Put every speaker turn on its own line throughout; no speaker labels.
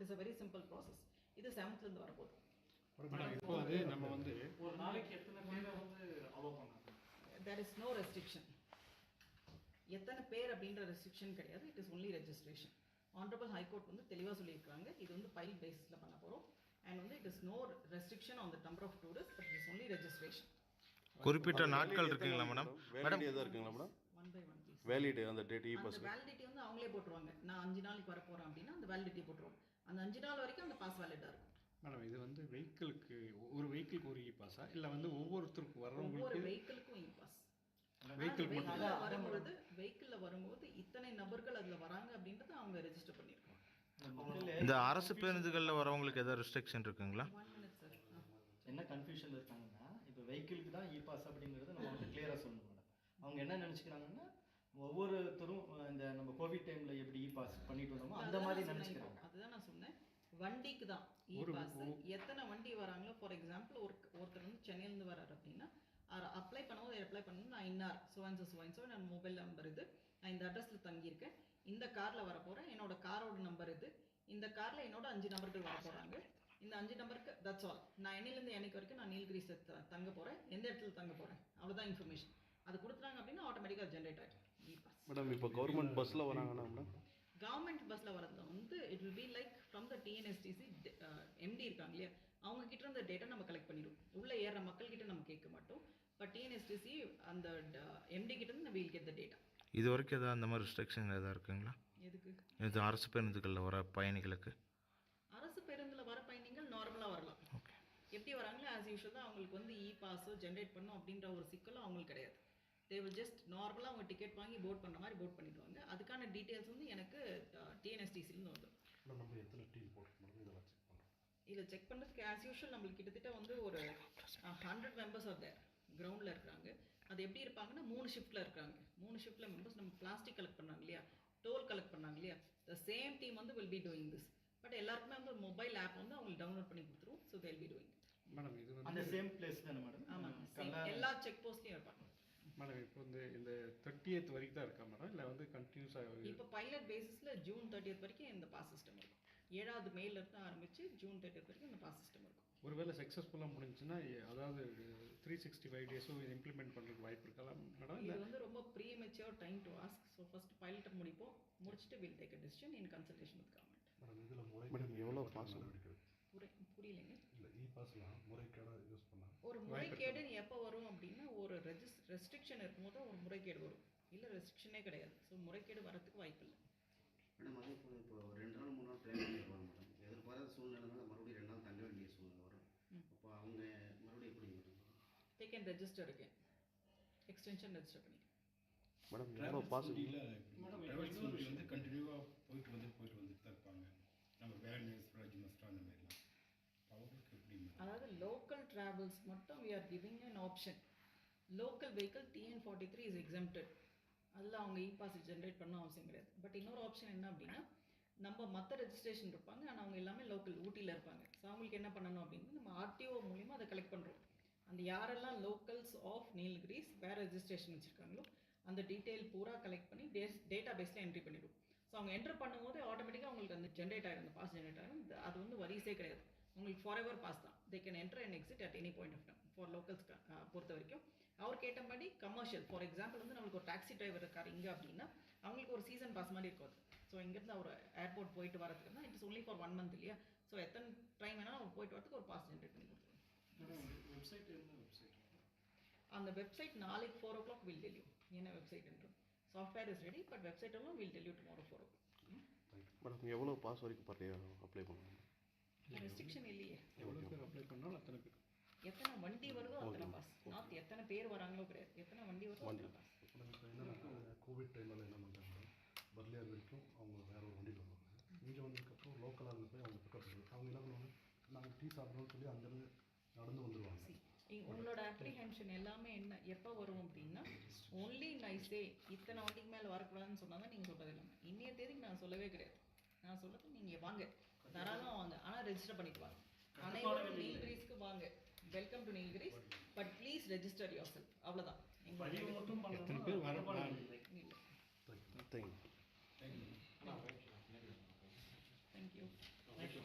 It is a very simple process. இது 7th இருந்து வரப்போகுது.
இப்போ அது நம்ம வந்து
ஒரு நாளைக்கு எத்தனை பேரை வந்து அலோவ் பண்ணாங்க?
There is no restriction. எத்தனை பேர் அப்படின்ற ரெஸ்ட்ரிக்ஷன் கிடையாது. It is only registration. Honourable high court வந்து தெளிவாக சொல்லியிருக்காங்க. இது வந்து பைல் பேசிஸில் பண்ண போகிறோம். அண்ட் வந்து it is no restriction on the number of tourist, but it is only registration.
குறிப்பிட்ட நாட்கள் இருக்குங்களா மேடம்?
வேலிடிட்டி எதாவது இருக்குங்களா madam?
One by one please.
Validity அந்த டேட்
அந்த வேலிடிட்டி வந்து அவங்களே போட்டுருவாங்க. நான் 5 நாளைக்கு வர போகிறேன் அப்படின்னா அந்த வேலிடிட்டி போட்டுருவாங்க. அந்த 5 நாள் வரைக்கும் அந்த பாஸ் வேலிடாக இருக்கும்.
மேடம் இது வந்து வெஹிக்கிளுக்கு ஒரு வெஹிக்கிளுக்கு ஒரு இ பாஸா இல்லை வந்து ஒவ்வொருத்தருக்கும்
ஒவ்வொரு
வர்றவங்களுக்கு
வெஹிக்கிளுக்கும் இ பாஸ்.
வெஹிக்கிள்
வெஹிக்கிளில் வரும்போது இத்தனை நபர்கள் அதில் வராங்க அப்படின்றத அவங்க ரெஜிஸ்டர் பண்ணியிருக்காங்க.
இந்த அரசு பேருந்துகளில் வரவங்களுக்கு ஏதாவது ரெஸ்ட்ரிக்ஷன் இருக்குங்களா?
1 minute சார்.
என்ன கன்ஃபியூஷன் இருக்காங்கன்னா, இப்போ வெஹிக்கிளுக்கு தான் இ பாஸ் அப்படிங்கிறது நம்ம வந்து கிளியராக சொல்லணும் மேடம். அவங்க என்ன நினச்சிக்கிறாங்கன்னா, ஒவ்வொருத்தரும் இந்த நம்ம கோவிட் டைமில் எப்படி இ பாஸ் பண்ணிட்டு வந்தோமோ அந்த மாதிரி நினச்சிக்கிறாங்க.
அதுதான் நான் சொன்னேன், வண்டிக்கு தான் இ பாஸ். எத்தனை வண்டி வராங்களோ, ஃபார் எக்ஸாம்பிள் ஒருத்தர் வந்து சென்னையிலேருந்து வராரு அப்படின்னா அப்ளை பண்ணும்போது அப்ளை பண்ணணும். நான் இன்னார் சுவன்சோ நான் மொபைல் நம்பர் இது, நான் இந்த அட்ரஸில் தங்கியிருக்கேன், இந்த காரில் வர போகிறேன், என்னோட காரோட நம்பர் இது, இந்த காரில் என்னோட 5 நபர்கள் வர போகிறாங்க, இந்த 5 நம்பருக்கு தட்ஸ் ஆல். நான் என்னிலேருந்து என்னைக்கு வரைக்கும் நான் நீல்கிரிஸில் தங்க போகிறேன், எந்த இடத்துல தங்க போகிறேன், அவ்வளோதான் இன்ஃபர்மேஷன். அது கொடுத்துட்டாங்க அப்படின்னா ஆட்டோமேட்டிக்காக ஜென்ரேட் ஆகிடும் இ பாஸ்.
மேடம் இப்போ கவர்மெண்ட் பஸ்ஸில் வராங்கன்னா மேடம்,
கவர்மெண்ட் பஸ்ஸில் வரது வந்து it will be like from the TNSTC MD இருக்காங்க இல்லையா, அவங்க கிட்ட இருந்த டேட்டா நம்ம கலெக்ட் பண்ணிடுவோம். உள்ளே ஏற மக்கள் கிட்ட நம்ம கேட்க மாட்டோம். பட் டிஎன்எஸ்டிசி அந்த எம்டி கிட்ட இருந்து வீல் கெட் த டேட்டா.
இது வரைக்கும் ஏதாவது அந்த மாதிரி ரெஸ்ட்ரிக்ஷன் ஏதாவது இருக்குங்களா?
எதுக்கு?
இது அரசு பேருந்துகளில் வர பயணிகளுக்கு.
அரசு பேருந்தில் வர பயணிகள் நார்மலாக வரலாம்.
ஓகே.
எப்படி வராங்களோ ஆஸ் யூஷுவல் தான். அவங்களுக்கு வந்து இ பாஸோ ஜென்ரேட் பண்ணும் அப்படின்ற ஒரு சிக்கலும் அவங்களுக்கு கிடையாது. தே வில் ஜஸ்ட் நார்மலாக அவங்க டிக்கெட் வாங்கி போட் பண்ணுற மாதிரி போட் பண்ணிடுவாங்க. அதுக்கான டீட்டெயில்ஸ் வந்து எனக்கு டிஎன்எஸ்டிசிலேருந்து வந்துடும்.
நம்ம எத்தனை டீம் போட்டுக்கணும் இதெல்லாம் செக் பண்ணுறோம்.
இதில் செக் பண்ணுறதுக்கு ஆஸ் யூஷுவல் நம்மளுக்கு கிட்டத்தட்ட வந்து ஒரு 100 மெம்பர்ஸ் ஆர் தேர் கிரவுண்டில் இருக்கிறாங்க. அது எப்படி இருப்பாங்கன்னா 3 ஷிஃப்ட்டில் இருக்காங்க. 3 ஷிஃப்ட்டில் மெம்பர்ஸ் நம்ம பிளாஸ்டிக் கலெக்ட் பண்ணாங்க இல்லையா, டோல் கலெக்ட் பண்ணாங்க இல்லையா, த சேம் டீம் வந்து will be doing this. But எல்லாருக்குமே வந்து மொபைல் ஆப் வந்து அவங்களுக்கு டவுன்லோட் பண்ணி கொடுத்துருவோம். So they'll be doing.
Madam இது வந்து
அந்த சேம் பிளேஸ் தானே மேடம்?
ஆமாம், எல்லா செக் போஸ்ட்லையும் இருப்பாங்க.
மேடம் இப்போ வந்து இந்த 30th வரைக்கும் தான் இருக்கா மேடம், இல்லை வந்து கண்டினியூஸாக?
இப்போ பைலட் பேசிஸில் ஜூன் 30th வரைக்கும் இந்த பாஸ் சிஸ்டம் இருக்கும். 7வது மேலேருந்து ஆரம்பித்து ஜூன் 30th வரைக்கும் இந்த பாஸ் சிஸ்டம் இருக்கும்.
ஒருவேளை சக்ஸஸ்ஃபுல்லாக முடிஞ்சுன்னா அதாவது 365 டேஸும் இது இம்ப்ளிமெண்ட் பண்ணுறதுக்கு வாய்ப்பு இருக்கலாம் மேடம்?
இது வந்து ரொம்ப premature time to ask. So first பைலட்டை முடிப்போம், முடிச்சுட்டு will take a decision in consultation with government.
Madam இதில் முறை
மேடம் எவ்வளோ பாஸ்
எடுக்குது?
புரியலைங்க.
இல்லை இ பாஸ்லாம் முறைகேடாக யூஸ் பண்ணால்
ஒரு முறைகேடு எப்போ வரும் அப்படின்னா, ஒரு ரெஸ்ட்ரிக்ஷன் இருக்கும்போது ஒரு முறைகேடு வரும். இல்லை ரெஸ்ட்ரிக்ஷனே கிடையாது. ஸோ முறைகேடு வரத்துக்கு வாய்ப்பு இல்லை.
மேடம் அதே போல் இப்போ 2 நாள் 3 நாள் பிளான் பண்ணிடுவாங்க மேடம். எதிர்பாராத சூழ்நிலைனால மறுபடியும் 2 நாள் தங்க வேண்டிய சூழ்நிலை வரும். அப்போ அவங்க மறுபடியும் எப்படி மேடம்?
தே கேன் ரெஜிஸ்டர் இருக்கேன், எக்ஸ்டென்ஷன் ரெஜிஸ்டர் பண்ணி.
மேடம் எவ்வளோ பாஸ்?
ட்ராவல்ஸ் வந்து கண்டினியூவாக போயிட்டு வந்துட்டு தான் இருப்பாங்க. நம்ம வேன் ஸ்வராஜ் மஸ்டா அந்த மாதிரிலாம் அவங்களுக்கு எப்படி?
அதாவது லோக்கல் ட்ராவல்ஸ் மட்டும் we are giving an option. Local vehicle TN43 is exempted. அதில் அவங்க இ பாஸ் ஜென்ரேட் பண்ண அவசியம் கிடையாது. பட் இன்னொரு ஆப்ஷன் என்ன அப்படின்னா, நம்ம மற்ற ரெஜிஸ்ட்ரேஷன் இருப்பாங்க, ஆனால் அவங்க எல்லாமே லோக்கல் ஊட்டியில் இருப்பாங்க. ஸோ அவங்களுக்கு என்ன பண்ணணும் அப்படின்னா, நம்ம ஆர்டிஓ மூலிமா அதை கலெக்ட் பண்ணுறோம். அந்த யாரெல்லாம் லோக்கல்ஸ் ஆஃப் நீல்கிரிஸ் வேறு ரெஜிஸ்ட்ரேஷன் வச்சுருக்காங்களோ அந்த டீட்டெயில் பூரா கலெக்ட் பண்ணி டேட்டா பேஸில் என்ட்ரி பண்ணிவிடும். ஸோ அவங்க என்ட்ரு பண்ணும்போது ஆட்டோமேட்டிக்காக உங்களுக்கு அந்த ஜென்ரேட் ஆகிடும், அந்த பாஸ் ஜென்ரேட் ஆகிடும். அது வந்து வரிசே கிடையாது, உங்களுக்கு ஃபார் எவர் பாஸ் தான். They can enter and exit at any point of time. For locals பொறுத்த வரைக்கும் அவர் கேட்டபடி கமர்ஷியல், ஃபார் எக்ஸாம்பிள் வந்து நம்மளுக்கு ஒரு டாக்ஸி டிரைவர் இருக்கார் இங்கே அப்படின்னா அவங்களுக்கு ஒரு சீசன் பாஸ் மாதிரி இருக்கும். ஸோ இங்கேருந்து அவர் ஏர்போர்ட் போயிட்டு வரதுக்குன்னா இட்ஸ் ஒன்லி ஃபார் 1 month இல்லையா. ஸோ எத்தனை டைம் வேணாலும் அவர் போயிட்டு வரதுக்கு ஒரு பாஸ் ஜென்ரேட் பண்ணி கொடுத்துருவோம்.
வெப்சைட் என்ன வெப்சைட்?
அந்த வெப்சைட் நாளைக்கு 4 o'clock வில் டெல் யூ என்ன வெப்சைட் என்றும். Software is ready, but website எல்லாம் will tell you tomorrow 4 o'clock.
Madam எவ்வளோ பாஸ் வரைக்கும் அப்ளை பண்ணணும்?
ரெஸ்ட்ரிக்ஷன் இல்லையே.
எவ்வளோ பேர் அப்ளை பண்ணாலும் அத்தனை பேர்.
எத்தனை வண்டி வருதோ அத்தனை பாஸ். நாட் எத்தனை பேர் வராங்களோ கிடையாது, எத்தனை வண்டி வருதோ அத்தனை பாஸ்.
இப்போ என்னென்னா கோவிட் டைமில் என்ன பண்ணுறாங்க, பர்லியார் வரைக்கும் அவங்க வேறு ஒரு வண்டியில் வருவாங்க. இங்கே வந்ததுக்கப்புறம் லோக்கலாக இருந்து போய் அவங்க பிக்கப் பண்ணுவாங்க. அவங்க என்ன பண்ணுவாங்க, நாங்கள் டீ சாப்பிட்றோம்னு சொல்லி அங்கேருந்து நடந்து வந்துடுவாங்க.
உங்களோட அப்ரிஹென்ஷன் எல்லாமே என்ன எப்போ வரும் அப்படின்னா, ஒன்லி நைஸே இத்தனை வண்டிக்கு மேலே வரக்கூடாதுன்னு சொன்னால் தான் நீங்கள் சொல்கிறது இல்லாமல். இன்னைய தேதிக்கு நான் சொல்லவே கிடையாது. நான் சொல்கிறது நீங்கள் வாங்க, தாராளமாக வாங்க, ஆனால் ரெஜிஸ்டர் பண்ணிட்டு வாங்க. அனைவரும் நீல்கிரிஸ்க்கு வாங்க, welcome to Nilgiris, but please register yourself. அவ்வளோதான்.
எத்தனை பேர் வர?
தேங்க்யூ.
தேங்க்யூ.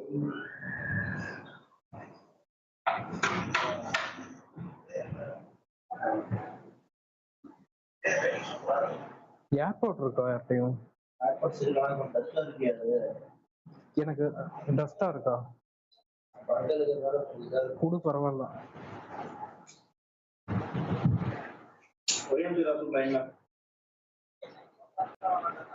ஏர்போர்ட் இருக்கா யார்ட்டையும்? எனக்கு டஸ்டா இருக்கா? குடு பரவாயில்ல.